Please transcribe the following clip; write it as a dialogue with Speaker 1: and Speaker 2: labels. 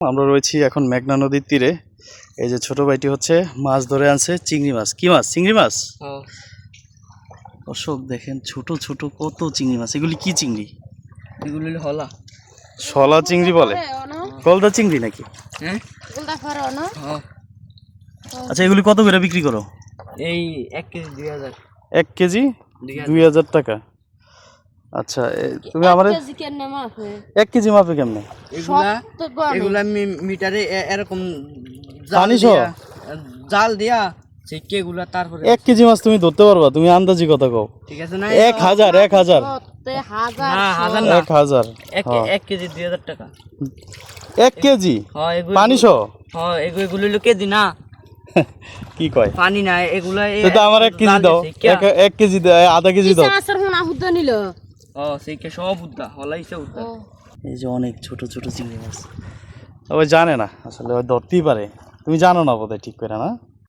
Speaker 1: আমরা রয়েছি এখন মেঘনা নদীর তীরে। এই যে ছোট ভাইটি হচ্ছে মাছ ধরে আনছে, চিংড়ি মাছ। কি মাছ? চিংড়ি মাছ। দর্শক দেখেন ছোট ছোট কত চিংড়ি মাছ। এগুলি কি চিংড়ি?
Speaker 2: এগুলো হলা
Speaker 1: শলা চিংড়ি বলে, গলদা চিংড়ি নাকি? আচ্ছা, এগুলি কত করে বিক্রি করো?
Speaker 2: এই 1 কেজি 2000।
Speaker 1: 1 কেজি 2000 টাকা। আচ্ছা, তুমি আমার 1 কেজি মাপে কেমনে?
Speaker 2: এগুলা মিটারে এরকম
Speaker 1: পানি সহ
Speaker 2: জাল দিয়া সেকে এগুলা। তারপরে
Speaker 1: 1 কেজি মাছ তুমি ধরতে পারবা? তুমি আন্দাজি কথা কও।
Speaker 2: ঠিক আছে না?
Speaker 1: 1000 1000
Speaker 2: না, 1000 না,
Speaker 1: 1000।
Speaker 2: 1 কেজি 2000 টাকা।
Speaker 1: 1 কেজি
Speaker 2: হ্যাঁ, এগুলো
Speaker 1: পানি সহ।
Speaker 2: হ্যাঁ, এগুলো কেজি না।
Speaker 1: কি কয়?
Speaker 2: পানি না এগুলা।
Speaker 1: তো আমার 1 কেজি দাও, 1 কেজি আধা কেজি দাও।
Speaker 2: ও সেইকে সব উদ্দা হলাইছে উদ্দা।
Speaker 1: এই যে অনেক ছোট ছোট চিংড়ি মাছ। ওই জানে না আসলে, ওই ধরতেই পারে। তুমি জানো না বোধহয় ঠিক করে, না?